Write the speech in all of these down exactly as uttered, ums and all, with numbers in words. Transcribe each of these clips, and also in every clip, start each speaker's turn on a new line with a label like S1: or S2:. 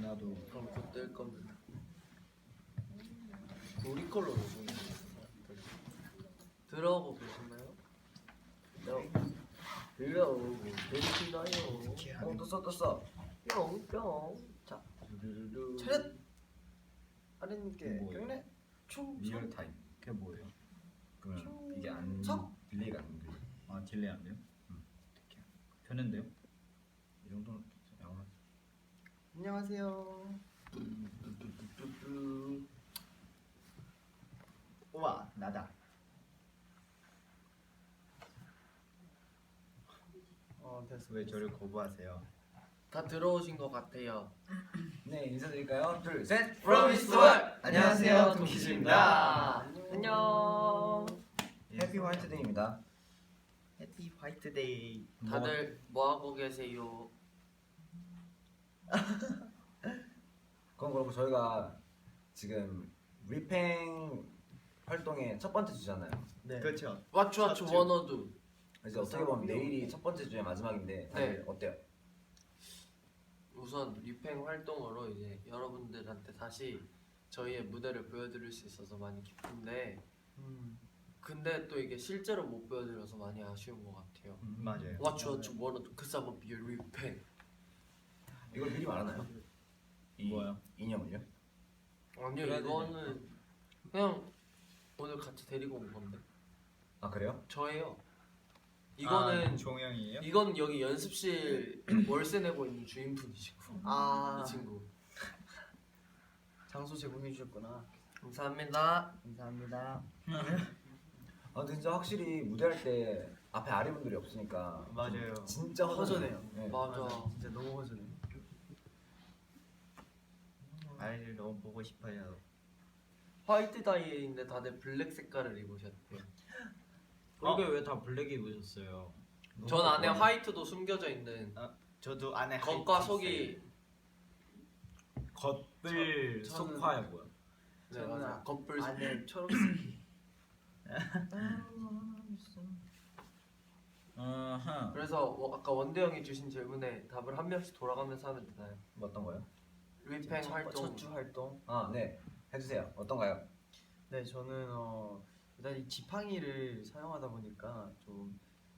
S1: 나도.
S2: 그럼 곧 뜰 겁니다. 우리 걸로 녹음이 들어오고 계셨나요? 네. 들어오고 계시나요?
S3: 어 떴어 떴어.
S2: 뿅뿅. 자,
S3: 차렷. 아랫님께
S1: 뭐예요?
S3: 경례. 충.
S1: 리얼 타임. 그게 뭐예요? 그러면 이게 안
S3: 석.
S1: 딜레이가 안 돼요? 아 딜레이 안 돼요? 응. 어떻게? 되는데요? 이 정도는 양호하죠.
S3: 안녕하세요.
S2: 뚜뚜뚜뚜뚜.
S1: 우와 나다.
S3: 어 됐어.
S1: 왜 저를 거부하세요?
S2: 다 들어오신 것 같아요.
S1: 네 인사드릴까요? 둘 셋.
S2: From East to West.
S3: 안녕하세요,
S2: 동키즈입니다. 안녕.
S1: 해피 화이트데이입니다.
S3: 해피 화이트데이.
S2: 다들 뭐 하고 계세요?
S4: 그건 그렇고 저희가 지금 리팽 활동의 첫 번째 주잖아요.
S3: 네.
S1: 그렇죠.
S2: 왓츠 왓츠
S3: 첫
S2: 원어두.
S4: 이제 어떻게 보면 내일이 첫 번째 주의 마지막인데 다들 어때요?
S2: 우선 리팽 활동으로 이제 여러분들한테 다시 저희의 무대를 보여드릴 수 있어서 많이 기쁜데
S3: 음.
S2: 근데 또 이게 실제로 못 보여드려서 많이 아쉬운 것 같아요.
S1: 음, 맞아요.
S2: 왓츠 왓츠 원어두 그 사람 비어 리팽.
S4: 이걸 미리 말하나요? 이
S1: 뭐요?
S4: 이념을요?
S2: 아니요
S1: 그래야
S2: 이거는 그냥 오늘 같이 데리고 온 건데
S4: 아 그래요?
S2: 저예요. 이거는
S1: 아, 종영이에요?
S2: 이건 여기 연습실 월세 내고 있는 주인분이시고
S3: 아
S2: 이 친구.
S3: 장소 제공해 주셨구나.
S2: 감사합니다.
S3: 감사합니다.
S4: 아 근데 진짜 확실히 무대할 때 앞에 아리분들이 없으니까
S1: 맞아요.
S4: 진짜 허전해요.
S3: 허전해요.
S4: 네.
S2: 맞아.
S3: 진짜 너무 허전해.
S1: 아이를 너무 보고 싶어요.
S2: 화이트 다이인데 다들 블랙 색깔을 입으셨대요.
S5: 그게 왜 다 블랙 입으셨어요?
S2: 전 안에 화이트도 숨겨져 있는
S1: 저도 안에
S2: 겉과
S1: 하이트
S2: 속이
S5: 겉을
S3: 저- 저는-
S5: 속화야 뭐야?
S2: 네
S3: 저는
S2: 맞아
S3: 아-
S2: 겉불
S3: 안에 초록색.
S5: 아하.
S2: 그래서 워- 아까 원대 형이 주신 질문에 답을 한 명씩 돌아가면서 하면 되나요?
S4: 뭐 어떤 거요?
S2: 리팽 활동.
S3: 첫주 활동.
S4: 아 네 해주세요. 어떤가요?
S3: 네, 저는 어 일단 이 지팡이를 사용하다 보니까 좀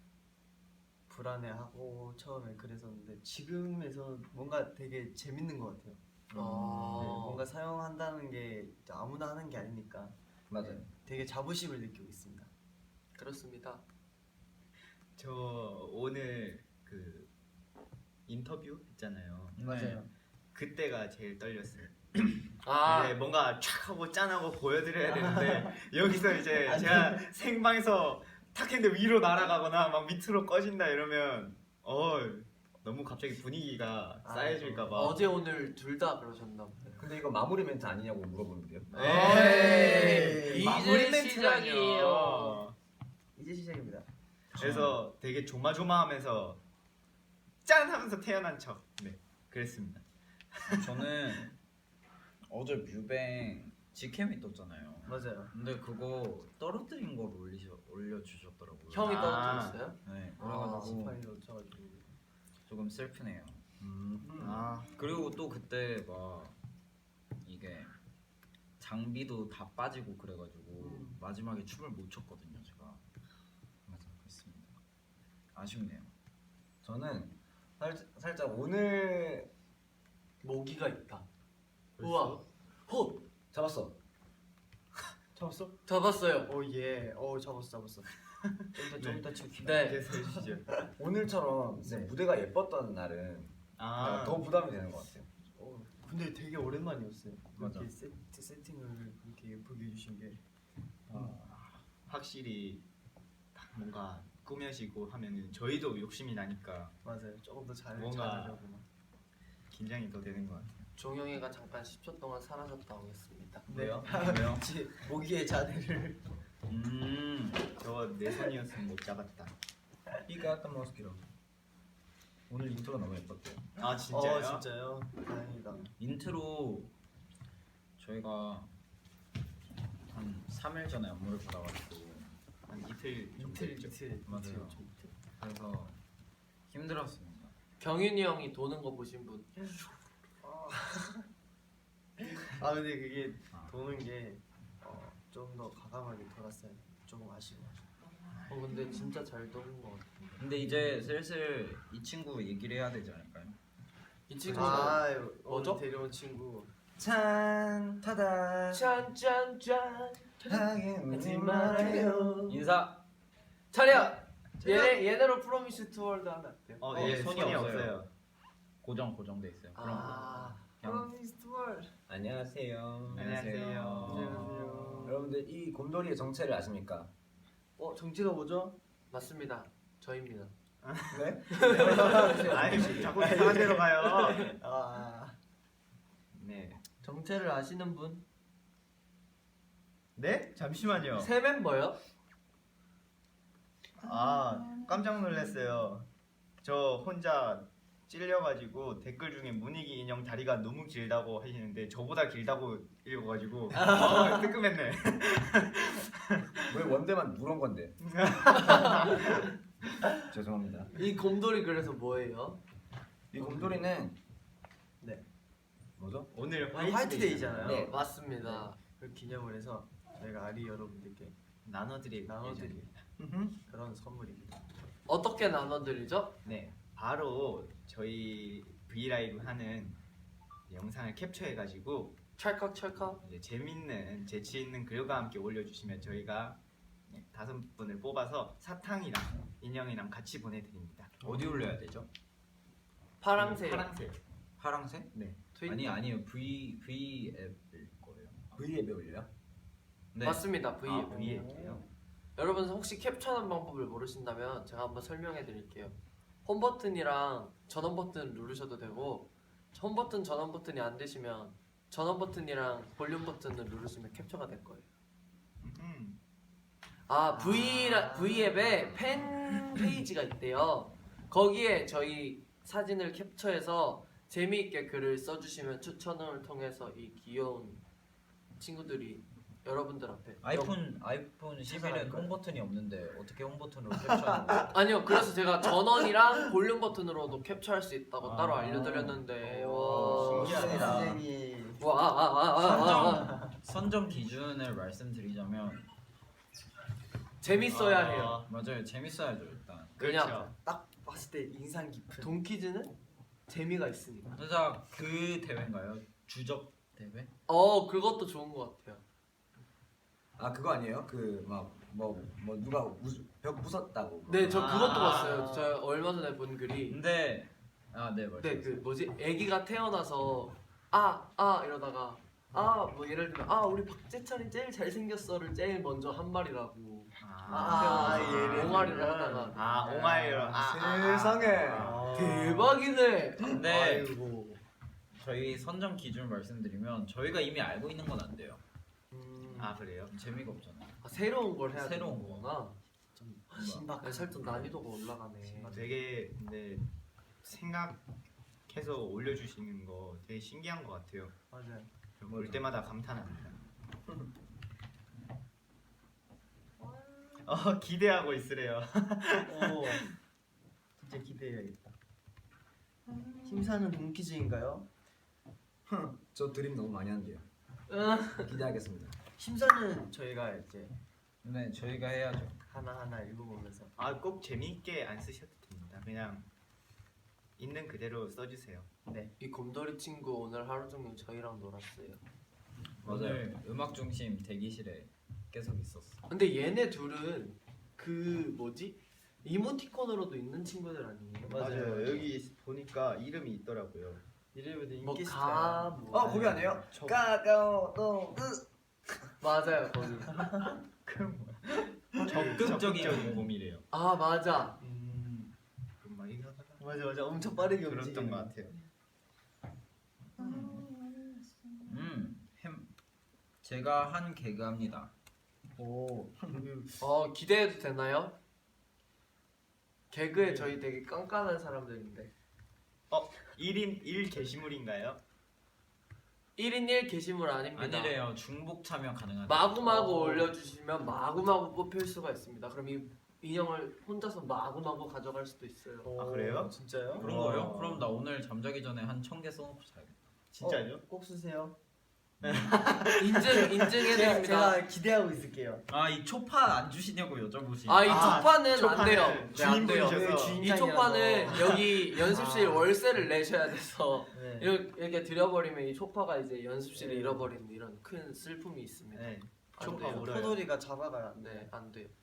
S3: 불안해하고 처음에 그랬었는데 지금에서 뭔가 되게 재밌는 것 같아요.
S2: 아.
S3: 네, 뭔가 사용한다는 게 아무나 하는 게 아니니까
S4: 맞아요.
S3: 되게 자부심을 느끼고 있습니다.
S2: 그렇습니다.
S1: 저 오늘 그 인터뷰 했잖아요.
S3: 맞아요.
S1: 그때가 제일 떨렸어요.
S2: 아
S1: 네, 뭔가 촥 하고 짠하고 보여드려야 되는데 여기서 이제 제가 생방에서 탁 했는데 위로 날아가거나 막 밑으로 꺼진다 이러면 어 너무 갑자기 분위기가
S3: 아,
S1: 쌓여질까봐.
S2: 어제 오늘 둘 다 그러셨나 보네요.
S4: 근데 이거 마무리 멘트 아니냐고 물어보는데요.
S2: 에이,
S1: 마무리
S2: 이제 시작이에요.
S3: 이제 시작입니다.
S1: 그래서 되게 조마조마하면서 짠 하면서 태어난 척. 네, 그랬습니다.
S5: 저는 어제 뮤뱅 지캠이 떴잖아요.
S3: 맞아요.
S5: 근데 그거 떨어뜨린 걸 올리셔 올려주셨더라고요.
S2: 형이
S1: 아.
S2: 떨어뜨렸어요?
S5: 네.
S2: 아,
S5: 그래가지고
S3: 지팡이 놓쳐가지고.
S5: 조금 슬프네요.
S4: 음.
S1: 아,
S5: 그리고 또 그때 막 이게 장비도 다 빠지고 그래가지고
S3: 음.
S5: 마지막에 춤을 못 췄거든요, 제가. 맞아, 그렇습니다. 아쉽네요.
S4: 저는 살, 살짝 오늘
S2: 모기가 있다. 우와. 호
S4: 잡았어.
S3: 잡았어?
S2: 잡았어요.
S3: 오 예. 오 잡았어 잡았어. 좀더좀 이따 칠게요.
S2: 네.
S1: 계속 해주시죠.
S4: 오늘처럼 진짜
S3: 네.
S4: 무대가 예뻤던 날은
S1: 아,
S4: 더 부담이 되는 것 같아요.
S3: 어, 근데 되게 오랜만이었어요.
S5: 맞아.
S3: 이렇게 세트, 세팅을 이렇게 예쁘게 해주신 게.
S1: 확실히 딱 뭔가 꾸며지고 하면은 저희도 욕심이 나니까
S3: 맞아요. 조금 더 잘
S1: 뭔가-
S3: 잘하려고 막.
S1: 긴장이 더 되는 것 같아요.
S2: 종영이가 잠깐 십 초 동안 사라졌다 오겠습니다.
S5: 왜요?
S3: 네.
S5: 왜요?
S3: 같이 모기의 자세를.
S5: 음.
S1: 저거 내 손이었으면 못 잡았다.
S4: 삐까던 모스키로. 오늘 인트로 너무 예뻤대요.
S1: 아 진짜요?
S3: 어 진짜요? 다행이다.
S5: 인트로 저희가 한 삼 일 전에 안무를 받아가지고
S1: 한 이틀 정도
S3: 이틀
S1: 했죠.
S3: 이틀
S5: 맞아요.
S3: 이틀, 좀 이틀.
S5: 그래서 힘들었습니다.
S2: 경윤이 형이 도는 거 보신 분?
S3: 아, 아 근데 그게
S5: 아.
S3: 도는 게 좀 더 과감하게 돌았어요. 좀 아쉬워.
S2: 어 근데 진짜 잘 도는 것 같아.
S5: 근데 이제 슬슬 이 친구 얘기를 해야 되지 않을까요?
S2: 이 친구는
S3: 아
S2: 뭐죠?
S3: 오늘 데려온 친구.
S4: 찬 타다
S2: 짠짠짠
S4: 하지 말아요.
S5: 인사.
S2: 차려. 얘네 얘네로 프로미스 투월드 하면 어때요?
S1: 어,
S5: 어,
S1: 예,
S5: 손이
S1: 손이
S5: 없어요.
S1: 없어요.
S5: 고정 고정돼 있어요. 그럼
S2: 아
S5: 그냥
S3: 프로미스 투월.
S4: 안녕하세요.
S1: 안녕하세요.
S3: 안녕하세요.
S4: 여러분들 이 곰돌이의 정체를 아십니까?
S3: 어 정체가 뭐죠?
S2: 맞습니다. 저입니다.
S4: 네?
S1: 아니 자꾸 이상한 데로 가요.
S3: 아
S1: 네.
S3: 정체를 아시는 분?
S1: 네? 잠시만요.
S2: 새 멤버요?
S1: 아 깜짝 놀랐어요. 저 혼자 찔려가지고 댓글 중에 문익이 인형 다리가 너무 길다고 하시는데 저보다 길다고 읽어가지고 어, 뜨끔했네.
S4: 왜 원대만 누런 건데? 죄송합니다.
S2: 이 곰돌이 그래서 뭐예요?
S4: 이 곰돌이는
S3: 네.
S4: 뭐죠?
S1: 오늘
S3: 오늘 화이트데이잖아요.
S2: 네 맞습니다.
S3: 그 기념을 해서 저희가 아리 여러분들께
S1: 나눠드릴
S3: 나눠드릴
S1: 예정입니다.
S3: 그런 선물입니다.
S2: 어떻게 나눠드리죠?
S1: 네, 바로 저희 브이라이브 하는 영상을 캡처해가지고
S2: 찰칵찰칵.
S1: 이제 재밌는 재치 있는 글과 함께 올려주시면 저희가 네, 다섯 분을 뽑아서 사탕이랑 인형이랑 같이 보내드립니다.
S5: 어디 올려야 되죠?
S2: 파랑새.
S1: 파랑색.
S5: 파랑색?
S1: 네.
S2: 트윈-
S5: 아니 아니요 V V 앱일 거예요.
S4: V앱에 올려요?
S5: 네.
S2: 맞습니다. V.
S1: 아, V앱이에요.
S2: 여러분 혹시 캡처하는 방법을 모르신다면 제가 한번 설명해 드릴게요. 홈 버튼이랑 전원 버튼 누르셔도 되고 홈 버튼 전원 버튼이 안 되시면 전원 버튼이랑 볼륨 버튼을 누르시면 캡처가 될 거예요.
S1: 음.
S2: 아 V V 앱에 팬 페이지가 있대요. 거기에 저희 사진을 캡처해서 재미있게 글을 써주시면 추천을 통해서 이 귀여운 친구들이 여러분들 앞에
S5: 아이폰 아이폰 십일은 홈 버튼이 없는데 어떻게 홈 버튼으로 캡처하는 거예요?
S2: 아니요 그래서 제가 전원이랑 볼륨 버튼으로도 캡처할 수 있다고
S1: 아.
S2: 따로 알려드렸는데
S3: 오,
S2: 와
S1: 신기하다.
S3: 선생님.
S2: 와아아아아
S5: 선정 기준을 말씀드리자면
S2: 재밌어야
S1: 아,
S2: 해요.
S5: 맞아요 재밌어야죠 일단.
S2: 그냥
S1: 그렇죠.
S3: 딱 봤을 때 인상 깊은.
S2: 돈키즈는 재미가 있으니까.
S5: 살짝 그 대회인가요? 주적 대회?
S2: 어 그것도 좋은 것 같아요.
S4: 아 그거 아니에요? 그 막 뭐 뭐 누가 우- 벽 부쉈다고.
S2: 네 저
S1: 아.
S2: 그것도 봤어요. 저 얼마 전에 본 글이
S5: 근데 아네 말씀.
S2: 네 그 뭐지 아기가 태어나서 아 아 이러다가 아 뭐 예를 들면 아 우리 박재찬이 제일 잘생겼어를 제일 먼저 한 말이라고
S3: 아,
S2: 태어나서
S3: 예를
S2: 옹알이를
S3: 들면.
S2: 하다가
S1: 아 옹알이로. 아, 아,
S4: 세상에.
S1: 아.
S2: 대박이네.
S5: 근데
S3: 아이고.
S5: 저희 선정 기준 말씀드리면 저희가 이미 알고 있는 건 안 돼요.
S3: 음,
S1: 아 그래요?
S5: 재미가 없잖아요.
S2: 아, 새로운 걸 해야
S5: 새로운
S2: 되는
S5: 거.
S2: 거구나.
S3: 좀
S2: 아,
S3: 신박한.
S2: 살짝 난이도가 올라가네.
S1: 되게 근데 생각해서 올려주시는 거 되게 신기한 것 같아요.
S3: 맞아요.
S1: 볼 때마다 감탄합니다. 어 기대하고 있으래요.
S3: 오, 진짜 기대해야겠다. 심사는 동키즈인가요?
S4: 저 드림 너무 많이 한대요. 기대하겠습니다.
S3: 심사는 저희가 이제
S5: 네 저희가 해야죠.
S3: 하나 하나 읽어보면서.
S1: 아 꼭 재미있게 안 쓰셔도 됩니다. 그냥 있는 그대로 써주세요.
S3: 네.
S2: 이 곰돌이 친구 오늘 하루 종일 저희랑 놀았어요.
S5: 오늘 음악 중심 대기실에 계속 있었어.
S2: 근데 얘네 둘은 그 뭐지 이모티콘으로도 있는 친구들 아니에요?
S3: 맞아요.
S1: 여기 보니까 이름이 있더라고요.
S3: 이래봬도 인기
S2: 뭐가
S3: 스타야.
S2: 뭐.
S4: 어 거기 아니에요?
S1: 저-
S4: 까까오 또
S2: 맞아요 거기.
S5: 적극적인 곰이래요.
S2: 아 맞아.
S3: 음,
S1: 막 이거 하다가
S3: 맞아 맞아. 엄청 빠르게
S1: 그랬던
S3: 움직이는.
S1: 것 같아요.
S5: 음, 햄. 제가 한 개그합니다.
S3: 오.
S2: 어 기대해도 되나요? 개그에 저희 되게 깐깐한 사람들인데
S1: 일 인 일 게시물인가요?
S2: 일 인 일 게시물 아닙니다.
S5: 아니래요. 중복 참여 가능하다.
S2: 마구마구
S3: 어.
S2: 올려주시면 마구마구 뽑힐 수가 있습니다. 그럼 이 인형을 혼자서 마구마구 가져갈 수도 있어요.
S1: 아, 그래요?
S3: 진짜요?
S5: 그런
S1: 와.
S5: 거예요? 그럼 나 오늘 잠자기 전에 한 천 개 써놓고 자야겠다.
S1: 진짜요?
S3: 어, 꼭 쓰세요.
S2: 인증
S3: 제가,
S2: 인증해드립니다.
S3: 제가 기대하고 있을게요.
S5: 아 이 초파 안 주시냐고 여쭤보시.
S2: 아 이
S1: 아,
S2: 초파는 안
S1: 초파는
S2: 돼요. 네, 안 돼요.
S1: 주인분이셔서.
S3: 네,
S2: 이
S3: 주인장이라서.
S2: 초파는 여기 연습실
S3: 아.
S2: 월세를 내셔야 돼서
S3: 네.
S2: 이렇게, 이렇게 들여버리면 이 초파가 이제 연습실을
S3: 네.
S2: 잃어버리는 이런 큰 슬픔이 있습니다.
S1: 네.
S2: 안
S1: 초파
S2: 돼요.
S1: 울어요.
S3: 포도리가 잡아가야 안 돼.
S2: 네, 안 돼요.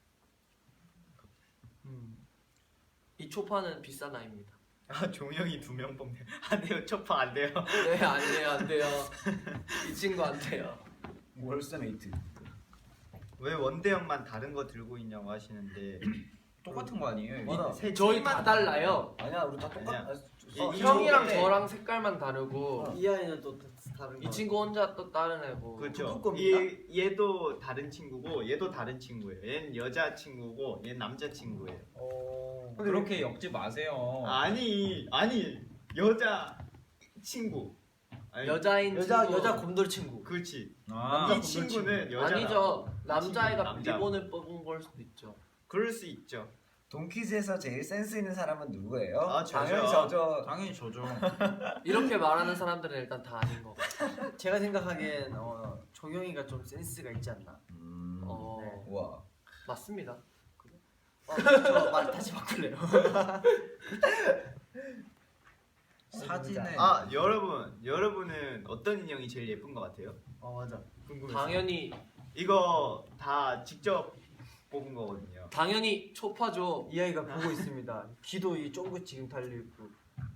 S3: 음.
S2: 이 초파는 비싼 아이입니다.
S1: 아 종영이 두 명 뽑네. 안 돼요. 초파 안 돼요.
S2: 네, 안 돼요, 안 돼요. 이 친구 안 돼요.
S4: 월세메이트.
S1: 왜 원대형만 다른 거 들고 있냐고 하시는데
S5: 똑같은 거 아니에요? 이거?
S3: 맞아.
S1: 세
S2: 저희
S1: 팀만
S2: 다 달라요.
S4: 아니야 우리 다 똑같.
S1: 아니야.
S4: 아,
S1: 이-
S4: 어,
S1: 이
S2: 형이랑
S1: 친구인데
S2: 저랑 색깔만 다르고
S3: 이 아이는 또 다- 다른 거.
S2: 이 친구 혼자 또 다른 애고.
S1: 그렇죠.
S3: 북극곰인가?
S1: 얘 얘도 다른 친구고 얘도 다른 친구예요. 얘는 여자 친구고 얘는 남자 친구예요.
S3: 어.
S5: 그렇게 엮지 마세요.
S1: 아니 아니 여자 친구. 아니,
S2: 여자인
S3: 여자
S2: 친구.
S3: 여자 곰돌 친구.
S1: 그렇지.
S5: 아,
S1: 이 친구는 여자.
S2: 아니죠. 남자애가
S1: 남자.
S2: 리본을 뽑은 걸 수도 있죠.
S1: 그럴 수 있죠.
S4: 동키즈에서 제일 센스 있는 사람은 누구예요?
S1: 아, 저죠.
S4: 당연히 저죠.
S5: 당연히 저죠.
S2: 이렇게 말하는 사람들은 일단 다 아닌 거 같아요.
S3: 제가 생각하기엔 어, 종영이가 좀 센스가 있지 않나.
S4: 음.
S2: 어,
S3: 네.
S4: 우와.
S2: 맞습니다.
S3: 어, 저말 다시 바꿀래요.
S5: 사진에
S1: 아 여러분 여러분은 어떤 인형이 제일 예쁜 것 같아요?
S3: 어 맞아. 궁금해서.
S2: 당연히
S1: 이거 다 직접 뽑은 거거든요.
S2: 당연히 초파죠.
S3: 이 아이가 보고 있습니다. 귀도 이 쫑긋 지금 달려 있고.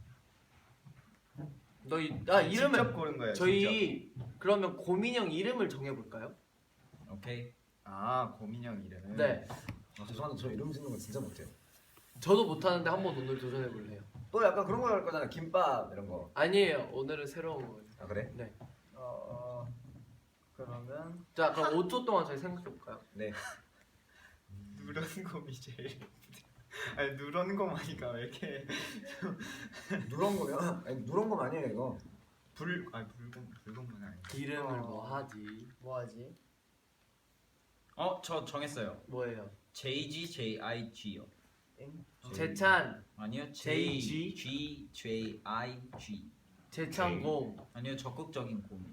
S2: 너희 아
S1: 직접
S2: 이름을
S1: 고른 거예요. 직접.
S2: 저희 그러면 고민형 이름을 정해볼까요?
S5: 오케이.
S1: 아 고민형 이름.
S2: 네.
S4: 아, 죄송한데 저 이름 짓는 거 진짜 못해요.
S2: 저도 못하는데 한번 오늘 도전해볼래요.
S4: 또 약간 그런 거 할 거잖아. 김밥 이런 거.
S2: 아니에요. 오늘은 새로운 거예요.
S4: 아 그래?
S2: 네.
S3: 어, 어 그러면
S2: 자 그럼 오 초 동안 저희 생각해볼까요?
S4: 네.
S1: 누런 곰이 제일 예쁜데. 아니 누런 곰 하니까 왜 이렇게
S4: 누런 거면 아니 누런 거 아니에요 이거.
S1: 불 아니 불곰 불곰은 아니야.
S2: 이름을
S3: 어.
S2: 뭐 하지?
S3: 뭐 하지?
S5: 어 저 정했어요.
S2: 뭐예요?
S5: 제이지 제이아이지요.
S3: 엥?
S2: 재찬,
S5: 아니요
S2: 제이
S5: J G J I G.
S2: 재찬 곰.
S5: 아니요 적극적인 곰.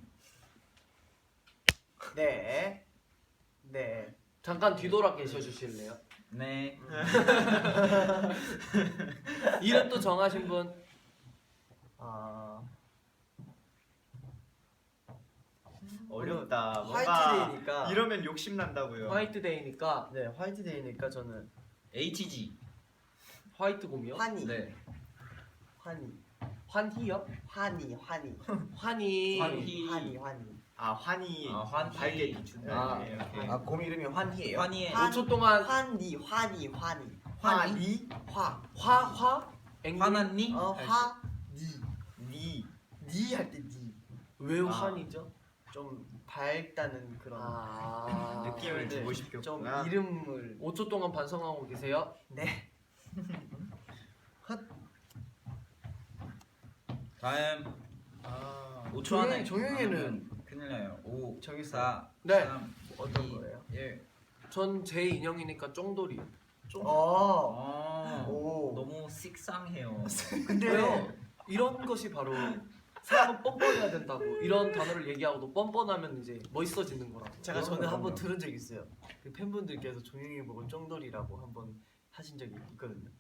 S3: 네. 네.
S2: 잠깐 뒤돌아 계셔 주실래요?
S5: 네.
S2: 이름 또 정하신 분?
S3: 아
S1: 어렵다. 뭔가
S3: 화이트데이니까.
S1: 이러면 욕심 난다고요.
S2: 화이트데이니까
S3: 네 화이트데이니까 저는
S5: 에이치지.
S2: 화이트 곰이요?
S3: 환희.
S5: 네.
S3: 환희.
S2: 환희요?
S3: 환희. 환희.
S2: 환희.
S5: 환희.
S3: 환희. 환희.
S1: 아 환희.
S5: 아, 환희.
S1: 밝게 비춘다.
S2: 아,
S1: 네, 오케이.
S4: 아 곰 이름이 환희예요?
S5: 환희의
S3: 환-
S2: 오 초 동안
S3: 환희. 환희. 환희.
S1: 환희.
S3: 화.
S2: 화, 화? 앵글?
S5: 화났니?
S3: 어 화. 니.
S1: 니.
S3: 니 할 때 니.
S2: 왜
S1: 아.
S2: 환이죠?
S3: 좀 밝다는 그런
S2: 아
S1: 느낌을
S3: 네.
S1: 주고
S3: 좀
S1: 싶겠구나.
S3: 이름을
S2: 오 초 동안 반성하고 계세요.
S3: 네.
S5: 다음
S1: 아,
S5: 오 초 안에
S3: 종영- 종영이는-
S5: 하면 큰일 나요. 오,
S3: 정했어요?
S5: 사,
S2: 네.
S5: 삼,
S3: 어떤
S5: 이,
S3: 거예요?
S5: 일.
S2: 전 제 인형이니까 쫑돌이.
S3: 어.
S5: 아,
S3: 오.
S5: 너무 식상해요.
S3: 근데
S2: 왜요? 이런 것이 바로 사람은 뻔뻔해야 된다고. 이런 단어를 얘기하고도 뻔뻔하면 이제 멋있어지는 거라고.
S3: 제가
S4: 그럼요,
S3: 전에 한번
S4: 그럼요.
S3: 들은 적 있어요. 그 팬분들께서 종영이 보고 쫑돌이라고 한번 하신 적이 있거든요.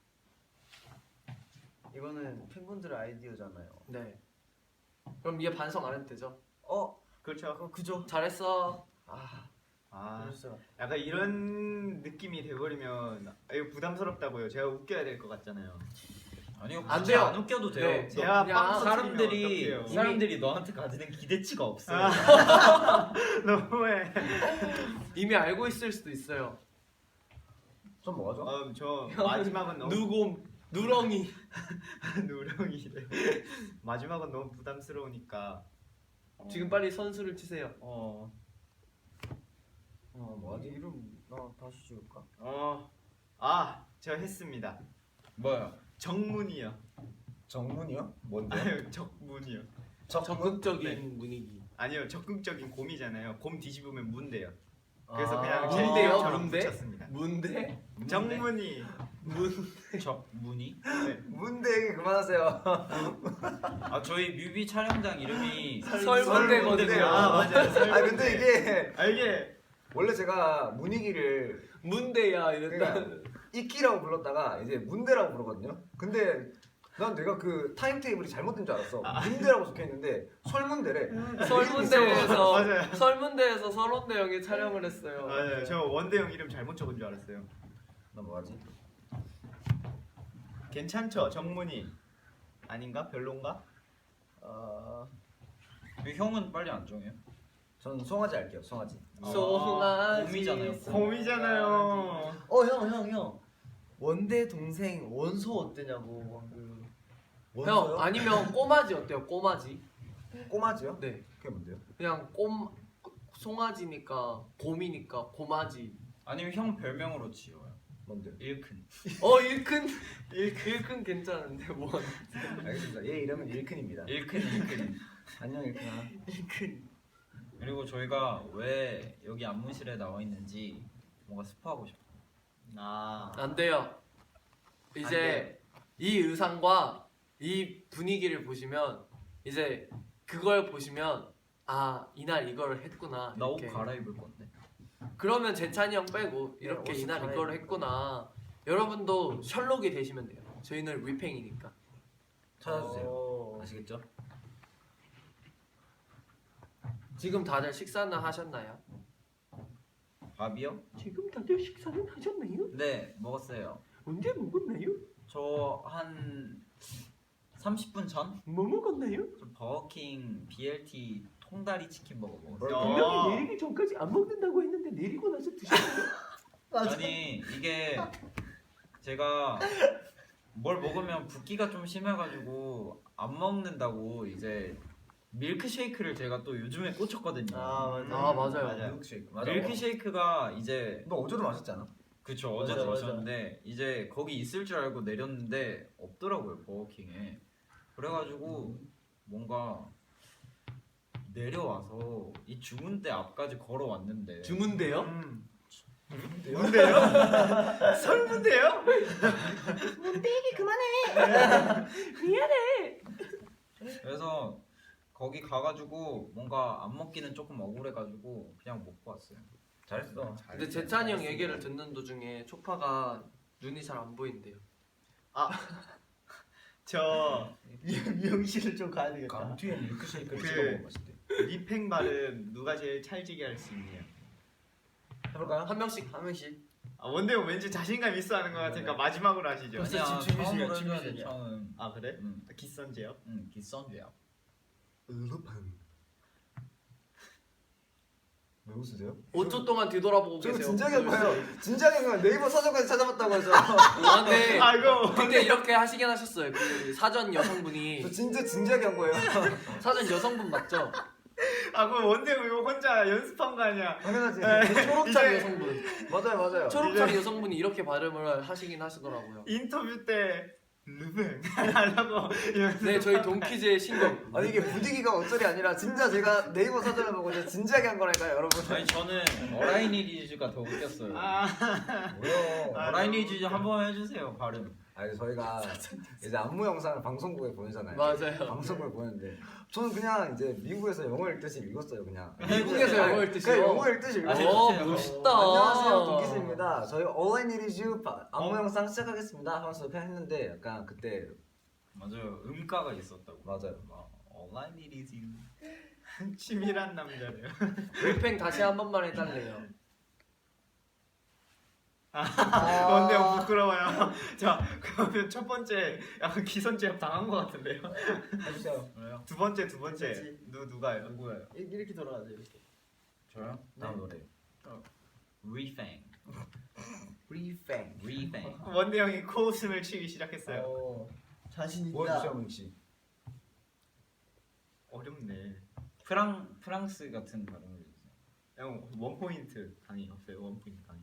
S3: 이거는 팬분들의 아이디어잖아요.
S2: 네. 그럼 얘 반성 안 해도 되죠?
S3: 어,
S1: 그렇죠.
S3: 어 그죠?
S2: 잘했어.
S3: 아,
S1: 아
S3: 그랬어요.
S1: 약간 이런 느낌이 돼버리면 아, 이거 부담스럽다고요. 제가 웃겨야 될 것 같잖아요.
S5: 아니요,
S2: 안
S5: 굳이
S2: 돼요.
S5: 안 웃겨도 돼요.
S2: 네.
S1: 제가
S2: 그냥
S1: 빵
S5: 사람들이
S1: 터뜨리면 어떡해요.
S5: 사람들이 너한테 가지는 기대치가 없어요.
S1: 너무해.
S2: 이미 알고 있을 수도 있어요.
S4: 좀 뭐가죠?
S1: 어, 저 마지막은 너무
S2: 누곰, 누렁이.
S1: 누렁이래. 마지막은 너무 부담스러우니까.
S2: 지금 빨리 선수를 치세요.
S1: 어,
S4: 어 뭐하지?
S3: 이름 나 다시 지울까?
S1: 어, 아, 저 했습니다.
S5: 뭐요?
S1: 정문이요.
S4: 정문이요? 뭔데?
S1: 아유, 적문이요.
S4: 적문?
S2: 적극적인
S1: 네.
S2: 분위기.
S1: 아니요, 적극적인 곰이잖아요. 곰 뒤집으면 문대요. 그래서
S3: 아.
S1: 그냥 제
S2: 문대요?
S1: 이름처럼
S2: 문대?
S1: 붙였습니다.
S2: 문대?
S1: 정문이.
S5: 저 문이?
S4: 문대 얘기 그만하세요.
S5: 아 저희 뮤비 촬영장 이름이
S2: 설문대거든요.
S1: 아 맞아요.
S4: 아 근데 이게
S1: 아 이게
S4: 원래 제가 문익이를
S2: 문대야 이랬다.
S4: 그러니까 이끼라고 불렀다가 이제 문대라고 부르거든요. 근데 난 내가 그 타임 테이블이 잘못된 줄 알았어. 문대라고 적혀 있는데 설문대래.
S2: 설문대에서
S1: 맞아요.
S2: 설문대에서 설원대 형이 촬영을 했어요.
S1: 맞아요. 저 원대형 이름 잘못 적은 줄 알았어요.
S4: 나 뭐하지?
S1: 괜찮죠, 정문이. 아닌가? 별론가?
S3: 아,
S5: 왜 형은 빨리 안 정해요?
S4: 전 송아지 할게요. 송아지.
S2: 송아지
S5: 곰이잖아요.
S1: 곰이잖아요.
S3: 어 형 형 형. 원대 동생 원소 어때냐고 방금.
S4: 원소요?
S2: 형 아니면 꼬마지 어때요? 꼬마지?
S4: 꼬마지요?
S2: 네.
S4: 그게 뭔데요?
S2: 그냥 꼼 송아지니까 곰이니까 고마지.
S5: 아니면 형 별명으로 지어요.
S4: 뭔데요?
S5: 일큰.
S2: 어 일큰 일큰 괜찮은데 뭐
S4: 알겠습니다. 얘 이름은 일큰입니다.
S5: 일큰 일큰.
S4: 안녕 일큰아.
S2: 일큰.
S5: 그리고 저희가 왜 여기 안무실에 나와 있는지 뭔가 스포하고 싶어요.
S1: 아,
S2: 안 돼요. 이제 이 의상과 이 분위기를 보시면 이제 그걸 보시면 아 이날 이걸 했구나.
S5: 나 옷
S2: 이렇게.
S5: 갈아입을 건데.
S2: 그러면 재찬이 형 빼고 이렇게
S3: 옷을
S2: 이날
S3: 갈아입을
S2: 이걸 했구나. 여러분도 셜록이 되시면 돼요. 저희는 위팽이니까.
S4: 찾아주세요.
S3: 어.
S4: 아시겠죠?
S2: 지금 다들 식사는 하셨나요?
S5: 밥이요?
S2: 지금 다들 식사는 하셨나요?
S5: 네 먹었어요.
S2: 언제 먹었나요?
S5: 저 한 삼십 분 전?
S2: 뭐 먹었나요?
S5: 저 버거킹 비엘티 통다리 치킨 먹어 먹었어요.
S1: 분명히
S2: 내리기 전까지 안 먹는다고 했는데 내리고 나서 드셨어요?
S5: 아니 이게 제가 뭘 먹으면 붓기가 좀 심해가지고 안 먹는다고 이제 밀크쉐이크를 제가 또 요즘에 꽂혔거든요.
S3: 아 맞아.
S2: 아 맞아요.
S1: 맞아요.
S4: 밀크쉐이크. 맞아.
S5: 밀크쉐이크가 이제
S4: 너 어제도 마셨지 않아?
S5: 그쵸
S3: 맞아,
S5: 어제도
S3: 맞아.
S5: 마셨는데 이제 거기 있을 줄 알고 내렸는데 없더라고요 버거킹에. 그래가지고 뭔가 내려와서 이 주문대 앞까지 걸어왔는데
S2: 주문대요?
S1: 음. 뭔데요? 설문데요?
S5: 그래서 거기 가가지고 뭔가 안 먹기는 조금 억울해가지고 그냥 먹고 왔어요.
S4: 잘했어.
S2: 근데 재찬이 형 얘기를 듣는 도중에 초파가 눈이 잘 안 보인대요.
S1: 저
S3: 미용실을 좀 가야 되겠다.
S4: 감튀에 밀크쉐이크를
S1: 그-
S4: 찍어 먹으면 맛있대.
S1: 리팽 발음 누가 제일 찰지게 할 수 있냐?
S4: 해볼까요?
S2: 한 명씩.
S3: 한 명씩.
S1: 아 원대형 왠지 자신감 있어 하는 것 같으니까 마지막으로 하시죠.
S3: 벌써
S5: 아니야
S3: 지금 준비실이야,
S5: 처음으로 해줘야 돼
S3: 준비실이야.
S5: 처음.
S1: 아 그래?
S5: 응,
S1: 기선제요?
S5: 응 기선제야.
S4: 루팡. 왜 웃으세요?
S2: 오 초 동안 뒤돌아보고
S4: 저
S2: 계세요.
S4: 진작에 한 거예요. 진작에 한 거예요. 네이버 사전까지 찾아봤다고 해서.
S2: 아, 네.
S1: 아이고.
S2: 근데 이렇게 하시긴 하셨어요. 그 사전 여성분이
S4: 저 진짜 진작에 한 거예요.
S2: 사전 여성분 맞죠?
S1: 아 그럼 원대형 이거 혼자 연습한 거 아니야?
S4: 당연하지.
S2: 초록창
S1: 이제-
S2: 여성분.
S4: 맞아요, 맞아요.
S2: 초록창 여성분이 이렇게 발음을 하시긴 하시더라고요.
S1: 인터뷰 때 르뱅 하려고 이러면서
S2: 네, 저희 동키즈의 신곡.
S4: 아니 이게 분위기가 어쩔이 아니라 진짜 제가 네이버 사전을 보고 진짜 진작에 한 거라니까요, 여러분.
S5: 아니 저는 어라이니리즈가 더 웃겼어요.
S1: 아
S4: 뭐요?
S1: 아,
S5: 어라이니리즈 한번 해주세요 발음.
S4: 아니 저희가 이제 안무 영상을 방송국에 보내잖아요.
S2: 맞아요.
S4: 방송국에 보내는데 저는 그냥 이제 미국에서 영어 읽듯이 읽었어요, 그냥.
S2: 미국에서
S4: 아니,
S2: 영어 읽듯이요?
S4: 그냥 영어 읽듯이
S5: 아,
S4: 읽었어요.
S2: 어,
S5: 해주세요.
S2: 멋있다.
S4: 안녕하세요, 동기스입니다. 저희 All I Need Is You 바- 안무
S5: 어?
S4: 영상 시작하겠습니다 하면서 그냥 했는데 약간 그때
S5: 맞아요 음가가 있었다고.
S4: 맞아요.
S5: 막 All I need is you.
S1: 치밀한 남자네요.
S2: 리팽 다시 한 번만 해달래요.
S1: 원대형 부끄러워요. 자 그러면 첫 번째 약간 기선제압 당한 것 같은데요.
S4: 해주세요.
S5: 그래요?
S1: 두 번째 두 번째
S3: 그치.
S1: 누 누가요?
S5: 누구예요?
S3: 이렇게 이렇게 돌아가죠 이렇게.
S5: 저요? 다음 노래. Refang.
S4: 리팽.
S5: Refang.
S1: 원대형이 코웃음을 치기 시작했어요.
S3: 어, 자신 있다.
S4: 보여주세요, 문 씨.
S1: 어렵네.
S5: 프랑 프랑스 같은 발음을 해주세요.
S1: 형 원 포인트 강의 없어요? 원 포인트 강의.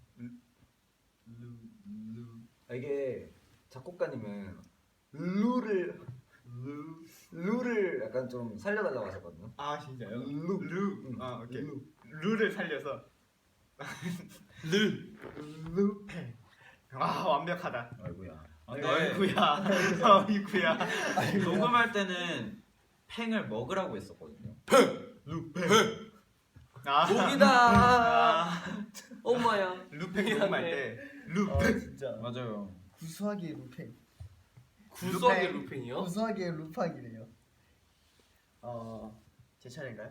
S5: 루 루.
S4: 아, 이게 작곡가님은 루를 루 루를 약간 좀 살려달라고 하셨거든요.
S1: 아 진짜요?
S4: 루.
S1: 루.
S4: 응.
S1: 아 오케이.
S4: 루.
S1: 루를 살려서
S3: 루팽.
S1: 아 완벽하다.
S5: 아이고야. 아, 근데
S1: 어이구야. 어이구야.
S5: 녹음할 때는 팽을 먹으라고 했었거든요.
S1: 아,
S2: 목이다.
S1: 아,
S2: 엄마야.
S1: 루팽 녹음할 때
S3: 아
S1: 루팽.
S3: 진짜.
S5: 맞아요.
S3: 구수하게 루팽.
S2: 구수하게
S1: 루팽.
S2: 루팽이요?
S3: 구수하게 루팡이래요. 어, 제 차례인가요?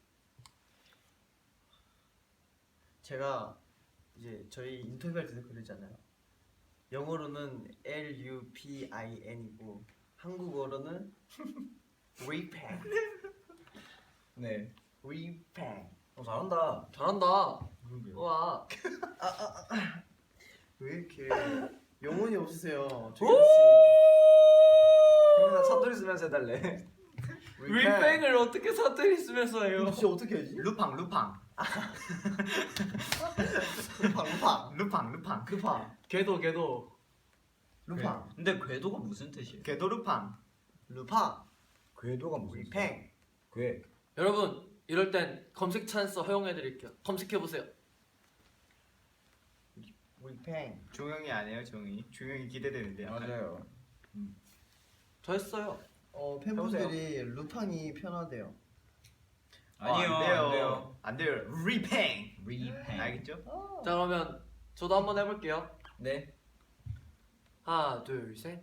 S3: 제가 이제 저희 인터뷰할 때도 그러잖아요. 영어로는 L U P I N이고 한국어로는 리팽. 네, 리팽.
S4: 어, 잘한다.
S2: 잘한다. 와.
S3: 왜 이렇게 영혼이 없으세요?
S2: 오!
S4: 형이나 사투리 쓰면서 해달래.
S2: 리팽을 어떻게 사투리 쓰면서 해요?
S3: 진짜 어떻게 하지?
S1: 루팡 루팡
S3: 루팡 루팡
S1: 루팡 루팡.
S3: 루팡
S2: 걔도 걔도.
S3: 루팡
S5: 근데 궤도가 무슨 뜻이에요?
S1: 궤도 루팡.
S3: 루팡
S4: 궤도가 무슨
S3: 리팽.
S4: 궤.
S2: 여러분 이럴 땐 검색 찬스 허용해 드릴게요. 검색해 보세요.
S3: 리팽.
S1: 조용히 안 해요 조용히. 조용히 기대되는데. 약간.
S5: 맞아요.
S2: 저 했어요.
S3: 어 팬분들이 루팡이 편하대요.
S1: 어,
S5: 아니요.
S1: 안 돼요.
S5: 안 돼요.
S1: 안 돼요. 리팽.
S5: 리팽.
S1: 알겠죠?
S2: 자 그러면 저도 한번 해볼게요.
S5: 네.
S2: 하나 둘 셋.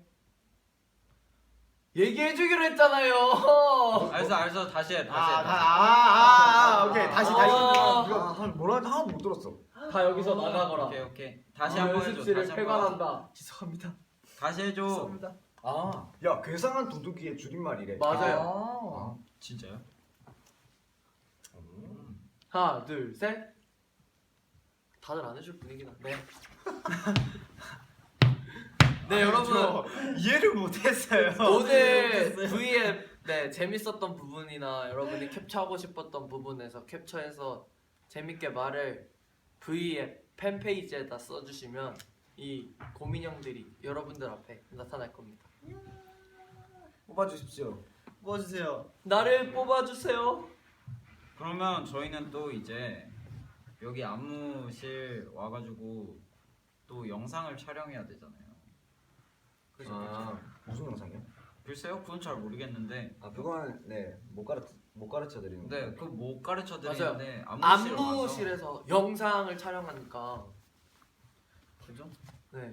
S2: 얘기해주기로 했잖아요.
S5: 알았어 알았어 다시 해
S1: 아,
S5: 다시 해.
S1: 아,
S5: 다시 해.
S1: 아, 아, 오케이 다시 다시.
S2: 아.
S4: 누가 한 뭐라 하는지 하나도 못 들었어.
S2: 다 여기서 나가거라.
S5: 오케이 오케이. 다시
S2: 아,
S5: 한번 해줘.
S2: 연습실을
S5: 다시 한번.
S2: 폐관한다.
S3: 죄송합니다.
S5: 다시 해줘.
S3: 죄송합니다.
S4: 아, 야 괴상한 도둑이의 줄임말이래.
S2: 맞아요.
S3: 아.
S5: 진짜요?
S2: 하나 둘 셋. 다들 안 해줄 분위기다. 네. 네 여러분
S1: 저 이해를 못했어요.
S2: 오늘 V앱 네 재밌었던 부분이나 여러분이 캡처하고 싶었던 부분에서 캡처해서 재밌게 말을 V앱 팬페이지에다 써주시면 이 고민형들이 여러분들 앞에 나타날 겁니다.
S4: 뽑아주십시오.
S3: 뽑아주세요.
S2: 나를 뽑아주세요.
S5: 그러면 저희는 또 이제 여기 안무실 와가지고 또 영상을 촬영해야 되잖아요.
S4: 아, 무슨 영상이요?
S5: 글쎄요, 그건 잘 모르겠는데.
S4: 아, 그건 네, 못 가르쳐 못 가르쳐 드리는
S5: 네,
S4: 거.
S5: 그 못 가르쳐 드리는데 안무실
S2: 안무실에서 영상을 촬영하니까
S3: 그죠?
S2: 네.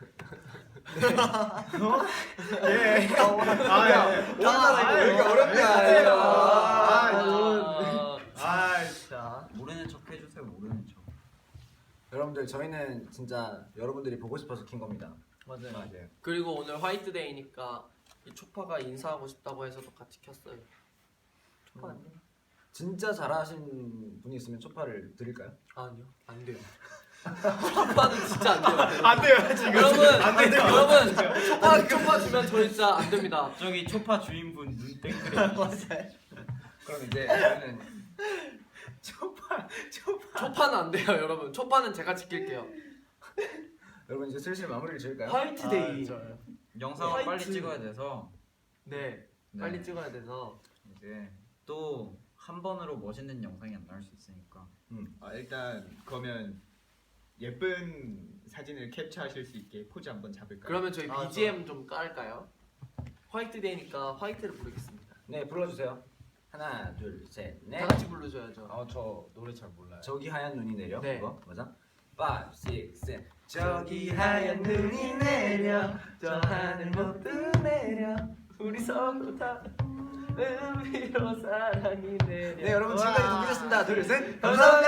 S1: 예. 아, 예.
S4: 오늘따라 이거 왜 이렇게
S1: 아,
S4: 어렵냐?
S1: 예.
S4: 아,
S1: 아,
S2: 아,
S1: 아,
S3: 자,
S5: 모르는 척 해주세요, 모르는 척.
S4: 여러분들 저희는 진짜 여러분들이 보고 싶어서 킨 겁니다.
S3: 맞아요.
S1: 맞아요.
S2: 그리고 오늘 화이트데이니까 이 초파가 인사하고 싶다고 해서도 같이 켰어요. 초파 안 돼?
S4: 진짜 잘하신 분이 있으면 초파를 드릴까요?
S2: 아니요, 안 돼요. 초파는 진짜 안 돼요.
S1: 안 돼요 지금.
S2: 여러분,
S1: 안 돼요.
S2: 여러분, 초파 초파 주면 저 진짜 안 됩니다.
S5: 저기 초파 주인분 눈 땡그레.
S3: 맞아요.
S4: 그럼 이제 저희는
S1: 초파 초파.
S2: 초파는 안 돼요, 여러분. 초파는 제가 지킬게요.
S4: 여러분 이제 슬슬 마무리를 지을까요?
S2: 화이트데이.
S3: 아, 좋아요.
S5: 영상을
S2: 화이트.
S5: 빨리 찍어야 돼서
S2: 네,
S5: 네.
S2: 빨리 찍어야 돼서.
S5: 이제 또 한 번으로 멋있는 영상이 안 나올 수 있으니까.
S1: 아, 일단 그러면 예쁜 사진을 캡처하실 수 있게 포즈 한번 잡을까요?
S2: 그러면 저희
S3: 아,
S2: 비지엠 좀 깔까요? 화이트데이니까 화이트를 부르겠습니다.
S4: 네, 불러주세요. 하나, 둘, 셋, 넷.
S2: 다 같이 불러줘야죠.
S6: 아 저 노래 잘 몰라요.
S4: 저기 하얀 눈이 내려.
S2: 네.
S4: 그거 맞아? five, six, seven.
S2: 저기 하얀 눈이 내려 저 하늘 모두 내려 우리 서로 다 위로 사랑이 내려.
S4: 네, 여러분 지금까지 동기셨습니다. 둘, 셋.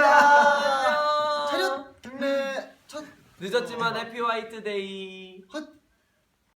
S2: 감사합니다.
S3: 차렷. 네. 첫
S2: 늦었지만 해피 화이트데이.
S3: 헛.